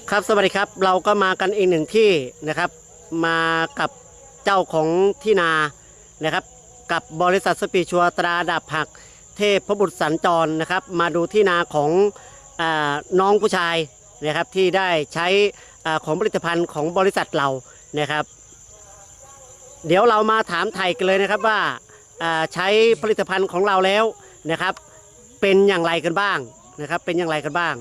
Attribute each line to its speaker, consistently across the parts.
Speaker 1: ครับสวัสดีครับเราก็มากันอีกหนึ่งที่นะครับมากับเจ้าของที่นานะครับกับบริษัทสปีชัวตราดาบผักเทพบุตรสัญจรนะครับมาดูที่นาของน้องผู้ชายนะครับที่ได้ใช้ของผลิตภัณฑ์ของบริษัทเรานะครับเดี๋ยวเรามาถามไทยกันเลยนะครับว่าใช้ผลิตภัณฑ์ของเราแล้วนะครับเป็นอย่างไรกันบ้างนะครับเป็นอย่างไรกันบ้าง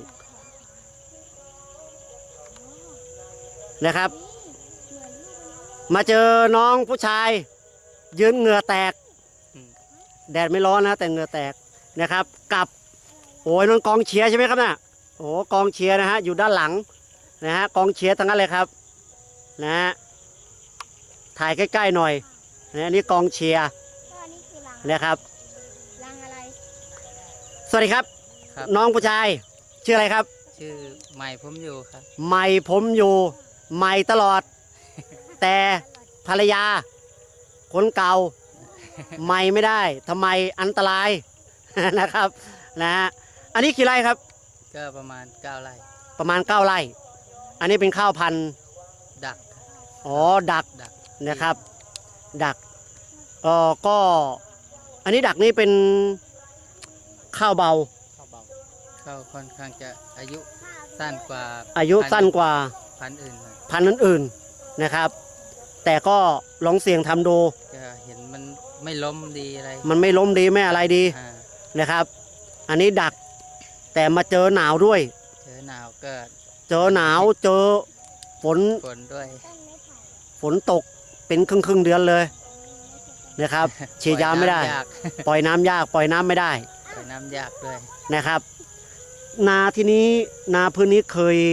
Speaker 1: นะครับมาเจอน้องผู้ชายยืนเหงื่อแตกแดดไม่ร้อนนะแต่เหงื่อแตกนะครับกับโอ้ยน้องกองเชียร์ใช่ไหมครับน่ะโอ้กองเชียร์นะฮะอยู่ด้านหลังนะฮะกองเชียร์ทั้งนั้นเลยครับนะฮะถ่ายใกล้ๆหน่อยนะนี่กองเชียร์นะครับ
Speaker 2: รังอะไร
Speaker 1: สวัสดีครับน้องผู้ชายชื่ออะไรครับ
Speaker 3: ชื่อใหม่ผมอยู่ครับ
Speaker 1: ใหม่ผมอยู่ใหม่ตลอด แต่ภรรยาคนเก่าใหม่ไม่ได้ทำไมอันตราย นะครับนะฮะอันนี้กี่ไร่ครับ
Speaker 3: ก็ประมาณ9 ไร่
Speaker 1: ประมาณ9 ไร่อันนี้เป็นข้าวพันธุ์
Speaker 3: ดัก
Speaker 1: อ๋อดักนะครับดักก็อันนี้ดักนี่เป็นข้าวเบา
Speaker 3: ข้าวค่อนข้างจะอายุสั้นกว่าพันธุ์
Speaker 1: อื่นนะครับแต่ก็ลองเสี่ยงทำดู
Speaker 3: จะเห็นมันไม่ล้มดีอะไร
Speaker 1: มันไม่ล้มดีไม่อะไรดีนะครับอันนี้ดักแต่มาเจอหนาวด้วย
Speaker 3: เจอหนาวก็
Speaker 1: เจอหนาวเจอฝน
Speaker 3: ด้วย
Speaker 1: ฝนตกเป็นครึ่งเดือนเลยนะครับฉีดยาไม่ได้ปล่อยน้ำยากปล่อยน้ำไม่ได้
Speaker 3: ปล่อยน้ำยากด้วย
Speaker 1: นะครับนาที่นี้นาพื้นนี้เคย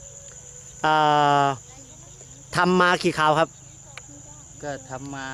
Speaker 1: ทำมากี่คราวครับ
Speaker 3: ก็ทำมา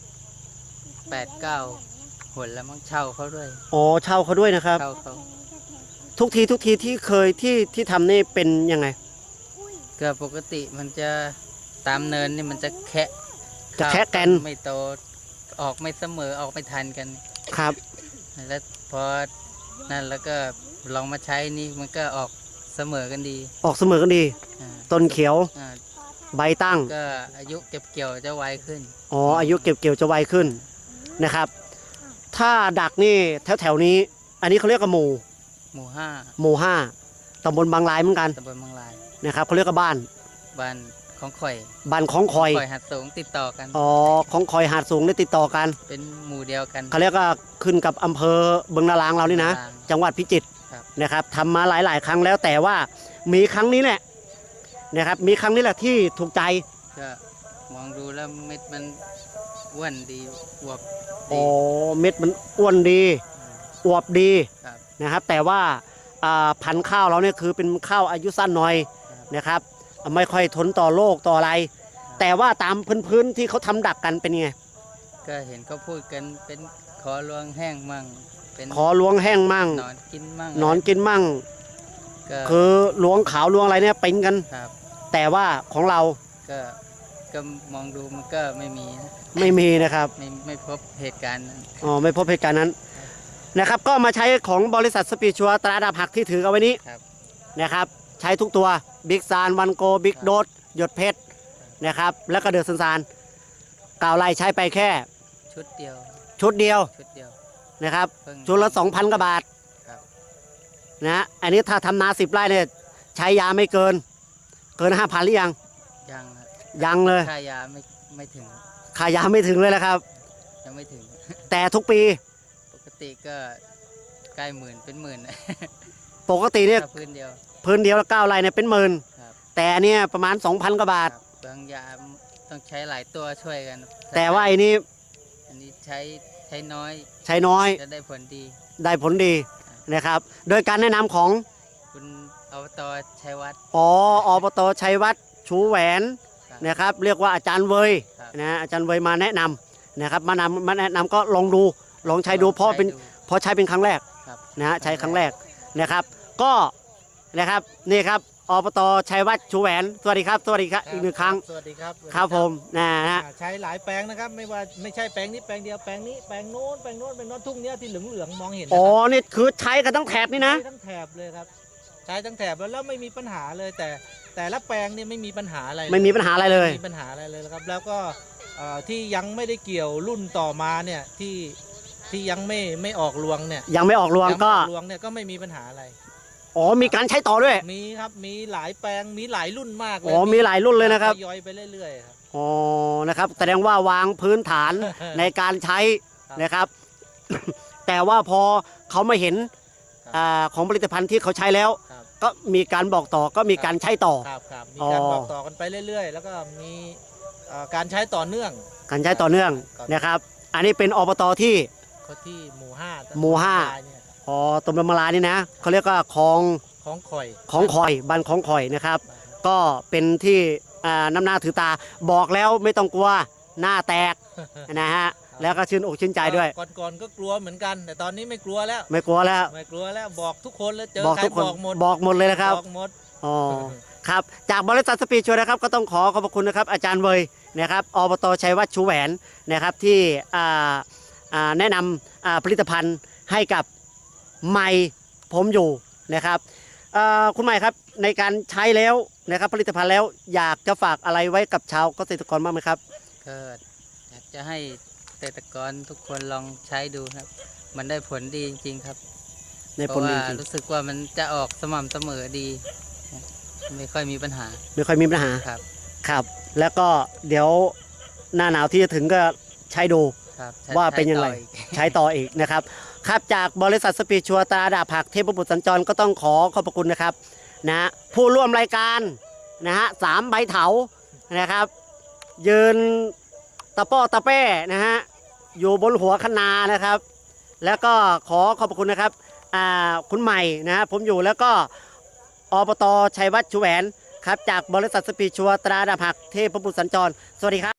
Speaker 3: 8-9 หนแล้วมั้งเช่าเขาด้วย
Speaker 1: อ๋อเช่าเขาด้วยนะครับ
Speaker 3: เช่าเขา
Speaker 1: ทุกทีที่เคยที่ทำนี่เป็นยังไง
Speaker 3: ก็ปกติมันจะตามเนินนี่มันจะแคะ
Speaker 1: กัน
Speaker 3: ไม่โตออกไม่เสมอออกไม่ทันกัน
Speaker 1: ครับ
Speaker 3: แล้วพอนั่นแล้วก็ลองมาใช้นี่มันก็ออกเสมอกันดี
Speaker 1: ต้นเขียวใบตั้ง
Speaker 3: ก็อายุเก็บเกี่ยวจะไวขึ้น
Speaker 1: อ๋ออายุเก็บเกี่ยวจะไวขึ้นนะครับถ้าดักนี่แถวนี้อันนี้เขาเรียกว่าหมู่ห้าตำบลบางลายเหมือนกัน
Speaker 3: ตำบลบางลาย
Speaker 1: นะครับเขาเรียกว่าบ้าน
Speaker 3: ของข่อย
Speaker 1: หาดสูง
Speaker 3: ติดต่อกัน
Speaker 1: อ๋อของข่อยหาดสูงได้ติดต่อกัน
Speaker 3: เป็นหมู่เดียวกัน
Speaker 1: เขาเรียกว่าขึ้นกับอำเภอบึงนารางเรานี่นะจังหวัดพิจิตรนะครับทำมาหลายครั้งแล้วแต่ว่ามีครั้งนี้แหละนะครับมีครั้งนี้แหละที่ถูกใจ
Speaker 3: ก็มองดูแล้วเม็ดมันอ้วนดีอวบ
Speaker 1: อ๋อเม็ดมันอ้วนดีอวบดีนะครับแต่ว่าพันธุ์ข้าวเราเนี่ยคือเป็นข้าวอายุสั้นหน่อยนะครับไม่ค่อยทนต่อโรคต่ออะไรแต่ว่าตามพื้นที่เขาทำดักกันเป็นไง
Speaker 3: ก็เห็นเขาพูดกันเป็นขอลวงแห้งมั่ง
Speaker 1: เป็นขอลวงแห้งมั่ง
Speaker 3: นอนกิน
Speaker 1: มั่งคือลวงขาวลวงอะไรเนี่ยเป็นกันแต่ว่าของเรา
Speaker 3: ก็มองดูมันก็ไม่
Speaker 1: มีนะครับ
Speaker 3: ไม่พบเหตุการณ์นั้น
Speaker 1: อ๋อไม่พบเหตุการณ์นั้นนะครับก็มาใช้ของบริษัทสปีชัวตราดาบผักที่ถือเอาไว้นี้นะครับใช้ทุกตัวบิ๊กซานวันโกบิ๊กโดสหยดเพชรนะครับแล้วก็เดือดซาน9 ไร่ใช้ไปแค่
Speaker 3: ชุดเดียว
Speaker 1: นะครับชุดละ 2,000 กว่าบาทนะอันนี้ถ้าทำนา10 ไร่เนี่ยใช้ยาไม่เกิน 5,000 หรือยังยังเลย
Speaker 3: ค่ายาไม่ถึง
Speaker 1: ค่ายาไม่ถึงเลยแล้วครับ
Speaker 3: ยังไม่ถึง
Speaker 1: แต่ทุกปี
Speaker 3: ปกติก็ใกล้หมื่นเป็นหมื่น
Speaker 1: ปกติเนี่ย
Speaker 3: พื้นเ
Speaker 1: ดียวละ9 ไร่เนี่ยเป็นหมื่นแต่อันนี้ประมาณ 2,000 กว่าบาท
Speaker 3: บางยาต้องใช้หลายตัวช่วยกัน
Speaker 1: แต่ว่าอันนี้
Speaker 3: ใช้น้อยจะได้ผล
Speaker 1: ดีนะครับโดยการแนะนำของ
Speaker 3: คุณอบตชัยวัฒน์
Speaker 1: อบตชัยวัฒน์ชูแหวนนะครับเรียกว่าอาจารย์เวยนะอาจารย์เวยมาแนะนำนะครับมาแนะนำก็ลองใช้ดูเพราะใช้เป็นครั้งแรกนะใช้ครั้งแรกนะครับก็นะครับนี่ครับอบตชัยวัฒน์ชูแหวนสวัสดีครับอีก1 ครั้ง
Speaker 4: สวัสดีครับ
Speaker 1: ครับผมนะ
Speaker 4: ใช้หลายแปลงนะครับไม่ใช่แปลงนี้แปลงเดียวแปลงนี้แปลงโน้นทุ่งเนี้ยที่เหลืองมองเห็น
Speaker 1: อ๋อนี่คือใช้กันทั้งแถบนี่นะ
Speaker 4: ทั้งแถบเลยครับใช้ทั้งแถบแล้วไม่มีปัญหาเลยแต่ละแปลงเนี่ยไม่มีปัญหาอะไร
Speaker 1: ไม่มีปัญหาอะไรเลย
Speaker 4: ไม่มีปัญหาอะไรเลยครับแล้วก็ที่ยังไม่ได้เกี่ยวรุ่นต่อมาเนี่ยที่ยังไม่ออกรวงเนี่ย
Speaker 1: ยังไม่ออกรวงก็
Speaker 4: ยังไม่ออรวงเนี่ยก็ไม่มีปัญหาอะไร
Speaker 1: อ๋อมีการใช้ต่อด้วย
Speaker 4: มีครับมีหลายแปลงมีหลายรุ่นมากเลย
Speaker 1: อ๋อมีหลายรุ่นเลยนะครับ
Speaker 4: ทยอยไปเรื่อยๆครับ
Speaker 1: อ๋อนะครับแสดงว่าวางพื้นฐาน ในการใช้
Speaker 4: ครับ
Speaker 1: นะครับ แต่ว่าพอเขามาเห็น
Speaker 4: ครับ
Speaker 1: ของผลิตภัณฑ์ที่เขาใช้แล้ว
Speaker 4: ครับ
Speaker 1: ก็มีการบอกต่อก็มีการใช้ต่อ
Speaker 4: ครับมี
Speaker 1: อ๋อ
Speaker 4: การบอกต่อกันไปเรื่อยๆ แล้วก็มีการใช้ต่อเนื่อง
Speaker 1: การใช้ต่อเนื่อง
Speaker 4: ครับ
Speaker 1: นะครับ อันนี้เป็นอบตที่
Speaker 4: เขาที่หมู่ห้า
Speaker 1: หมู่ห้า
Speaker 4: เนี่ยครับ
Speaker 1: อ๋อตมลำมะลานี่นะเขาเรียกว่าคลอง
Speaker 4: ของข่อย
Speaker 1: ของคอยบ้านของคอยนะครับ ก็เป็นที่น้ำหน้าถือตาบอกแล้วไม่ต้องกลัวหน้าแตกนะฮะแล้วก็ชื่นอกชื่นใจด้วย
Speaker 4: ก่อนก็กลัวเหมือนกัน แต่ตอนนี้ไม่กลัวแล้ว
Speaker 1: ไม่กลัวแล้ว
Speaker 4: ไม่กลัวแล้วบอกทุกคนแล้วเจอ
Speaker 1: บอก
Speaker 4: ใคร
Speaker 1: ทุกคน
Speaker 4: บอกหมด
Speaker 1: บอกหมดเลยนะครับ
Speaker 4: บอกหมด
Speaker 1: อ๋อครับจากบริษัทสปีดชัวร์นะครับก็ต้องขอขอบพระคุณนะครับอาจารย์เวยนะครับอบตชัยวัฒน์ชูแหวนนะครับที่แนะนำผลิตภัณฑ์ให้กับไมค์ผมอยู่นะครับคุณใหม่ครับในการใช้แล้วนะครับผลิตภัณฑ์แล้วอยากจะฝากอะไรไว้กับชาวเกษตรกรบ้างไหมครับ
Speaker 3: ก็อยากจะให้เกษตรกรทุกคนลองใช้ดูครับ มันได้ผลดีจริงๆครับ
Speaker 1: ใน
Speaker 3: เพ
Speaker 1: ผล
Speaker 3: ราะ
Speaker 1: จ
Speaker 3: ว่า
Speaker 1: ริง
Speaker 3: รู้สึกว่ามันจะออกสม่ำเสมอดี ไม่ค่อยมีปัญหา
Speaker 1: ๆไม่ค่อยมีปัญหา
Speaker 3: ครับ
Speaker 1: ครับ แล้วก็เดี๋ยวหน้าหนาวที่จะถึงก็ใช้ดู
Speaker 3: ครับใช้
Speaker 1: ว่าเป็นยังไง
Speaker 3: ใช้ต่ออีก
Speaker 1: ใช้ต่ออีกนะครับ ครับจากบริษัทสปีดชัวร์ตราดาบผักเทพบุตรสัญจรก็ต้องขอขอบพระคุณนะครับนะผู้ร่วมรายการนะฮะ3 ใบเถานะครับ ยืนตะป้อตะแป้นะฮะอยู่บนหัวคะนานะครับ แล้วก็ขอขอบพระคุณนะครับคุณใหม่นะฮะผมอยู่แล้วก็อบตชัยวัฒน์ชูแหวนครับจากบริษัทสปีดชัวร์ตราดาบผักเทพบุตรสัญจรสวัสดีครับ